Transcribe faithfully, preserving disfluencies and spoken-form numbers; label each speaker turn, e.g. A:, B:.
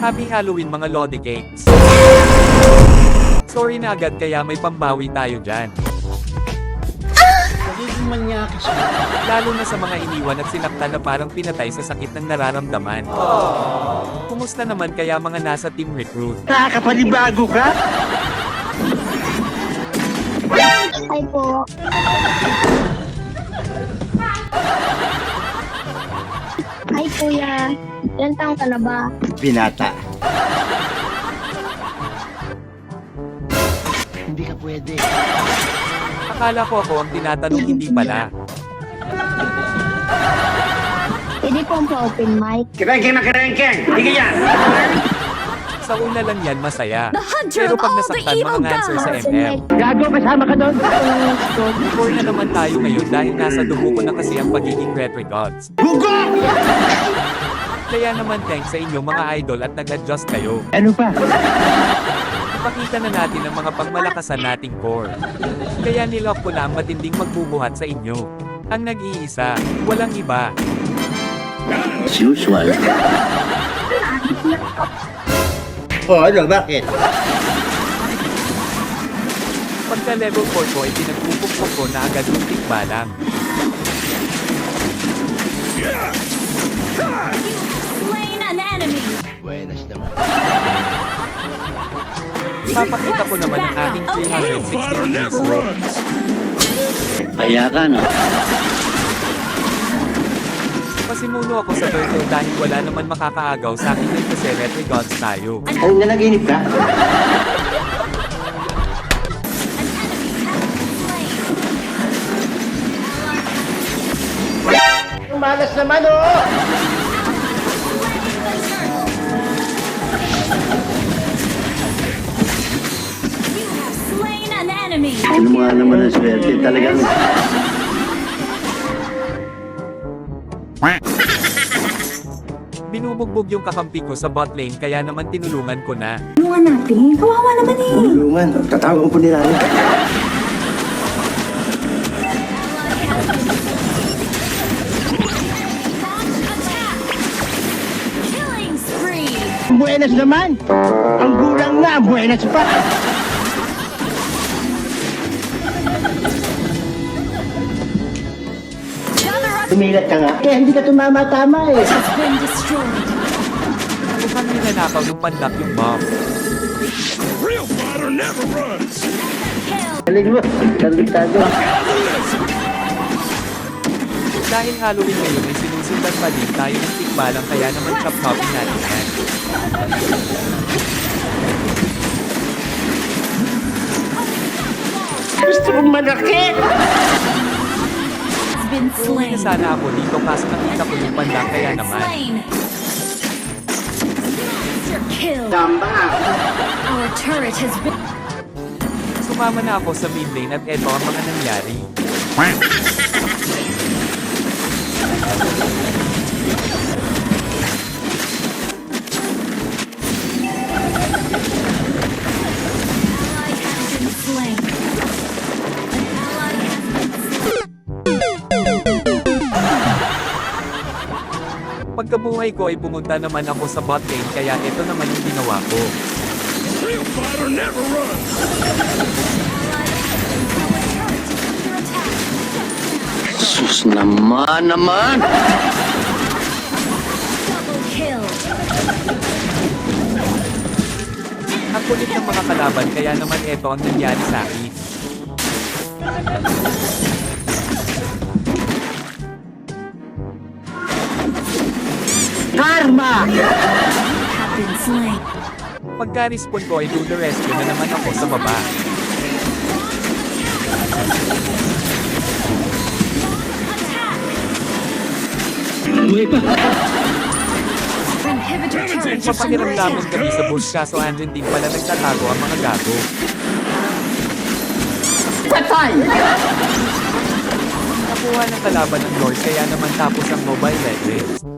A: Happy Halloween mga Lodi Cakes! Sorry na agad kaya may pambawi tayo dyan.
B: Nagiging manyakis mo.
A: Lalo na sa mga iniwan at sinaktan na parang pinatay sa sakit ng nararamdaman. Kumusta naman kaya mga nasa Team Recruit?
B: Nakakapanibago ka?
C: Hi po. Hi kuya. Ilan taong ka na ba?
B: Binata. Hindi ka pwede.
A: Akala ko ako ang tinatanong, hindi pala.
C: Pwede po ang pa-open mic.
B: Kerengkeng na kerengkeng! Hindi yan!
A: Sa una lang yan masaya.
D: The hunter
A: Pero
D: of
A: pag
D: all the
A: nasaktan
D: evil
A: mga answer sa
D: gods.
A: M M.
B: Gago, kasama ka doon!
A: Before na naman tayo ngayon dahil nasa dugo ko na kasi ang pagiging retro gods.
B: Bugo!
A: Kaya naman thanks sa inyo mga idol at nag-adjust kayo.
B: Ano pa?
A: Ipakita na natin ang mga pagmalakasan nating core. Kaya nilock ko na ang matinding magbubuhat sa inyo. Ang nag-iisa, walang iba.
B: As usual. Oh, ano? Bakit?
A: Pagka level four ko ay pinagpupukpok ko na agad yung tikbalang.
D: Slain an enemy.
B: Buenas naman.
A: Papakita ko naman ang aking three sixty degrees slope.
B: Kaya ka, no?
A: Pasimuno ako sa turtle dahil wala naman makakaagaw sa akin din kasi retro gods tayo.
B: Ay, nanaginip ka?
D: An enemy has been slain.
B: Malas naman, oh!
D: You have slain an enemy.
B: Ano mga naman ang swerte talagang...
A: Binubugbog yung kakampi ko sa bot lane kaya naman tinulungan ko na.
D: Tulungan natin. Kawawa naman eh.
B: Tulungan, tatawag po nila.
D: Attack. Killing spree.
B: Buenas naman! Ang gulang na, buenas pa!
D: Gather up.
B: Tumilat ka nga. Eh, hindi ka tumama-tama eh.
D: Has been destroyed.
A: Mukhang ninanakaw ng pandak yung bomb.
E: Real fighter never runs.
D: Kill.
B: Galing mo, kalitado.
A: Dahil Halloween ngayon ay sinusundan pa din tayo ng tikbalang kaya naman chop-chopping natin yan.
B: Gusto mong malaki!
D: Has been
A: Uuwi na
D: slain.
A: sana ako dito kaso nakita ko yung pandak kaya naman.
D: Slain. Monster kill.
B: Tamba!
D: Our turret has been.
A: Sumama na ako sa mid lane at eto ang mga nangyari.
D: Ally has been slain. An ally has been slain.
A: Pagkabuhay ko ay pumunta naman ako sa bot lane kaya ito naman yung ginawa ko.
E: Real fighter never runs.
B: Sus naman naman!
D: Double kill.
A: Ang kulit ng mga kalaban kaya naman ito ang nangyari sa akin.
B: Karma!
D: Have been slain.
A: Pagka-respawn ko ay do the rescue na naman ako sa baba.
D: Inhibitor turret has been
A: Papakiramdaman
D: attacked.
A: kami sa bush kaso andyan din pala nagtatago ang mga gago.
B: Patay!
A: Nakuha ng kalaban ng Lord kaya naman tapos ang Mobile Legends.